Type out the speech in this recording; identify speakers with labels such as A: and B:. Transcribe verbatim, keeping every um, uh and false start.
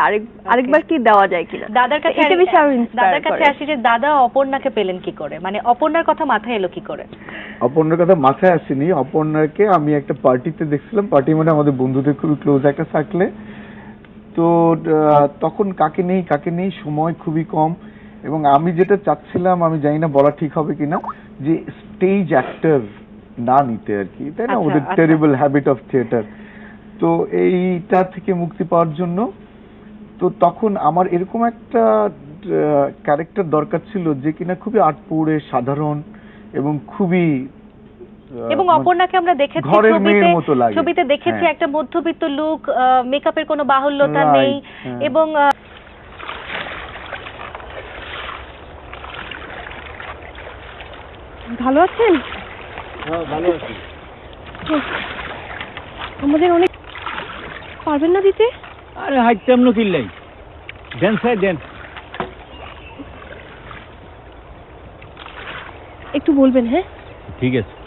A: আরেক আরেকবার কি দেওয়া যায় কিনা।
B: দাদার কাছে
A: এটা বেশি আরো ইন্সপায়ার
B: দাদার কাছে আসি যে দাদা অপর্ণাকে পেলেন কি করে, মানে অপর্ণার কথা মাথায় এলো কি করে?
C: অপর্ণার কথা মাথায় আসেনি, অপর্ণাকে আমি একটা পার্টিতে দেখছিলাম, পার্টি মানে আমাদের বন্ধুদের খুবই ক্লোজ একটা সার্কেলে। তো তখন কাকে নেই কাকে নেই সময় খুবই কম, এবং আমি যেটা চাচ্ছিলাম আমি জানি না বলা ঠিক হবে কিনা, যে স্টেজ অ্যাক্টর না নিতে আর কি, তাই না, ওদের টেরিবল হ্যাবিট অফ থিয়েটার। তো এইটা থেকে মুক্তি পাওয়ার জন্য তো তখন আমার এরকম একটা ক্যারেক্টার দরকার ছিল যে কিনা খুবই আটপৌরে সাধারণ এবং খুবই,
B: এবং অপর্ণাকে আমরা দেখেছি ছবিতে ছবিতে দেখেছি একটা মধ্যবিত্ত লুক, মেকআপের কোনো বাহুল্যতা নেই, এবং
A: ভালো আছেন?
D: হ্যাঁ ভালো আছি।
A: আমাদের অনেক পারবেন না দিতে?
D: আরে হাইটাম নো কিল্লাই দেন স্যার দেন,
A: একটু বলবেন। হ্যাঁ
D: ঠিক আছে।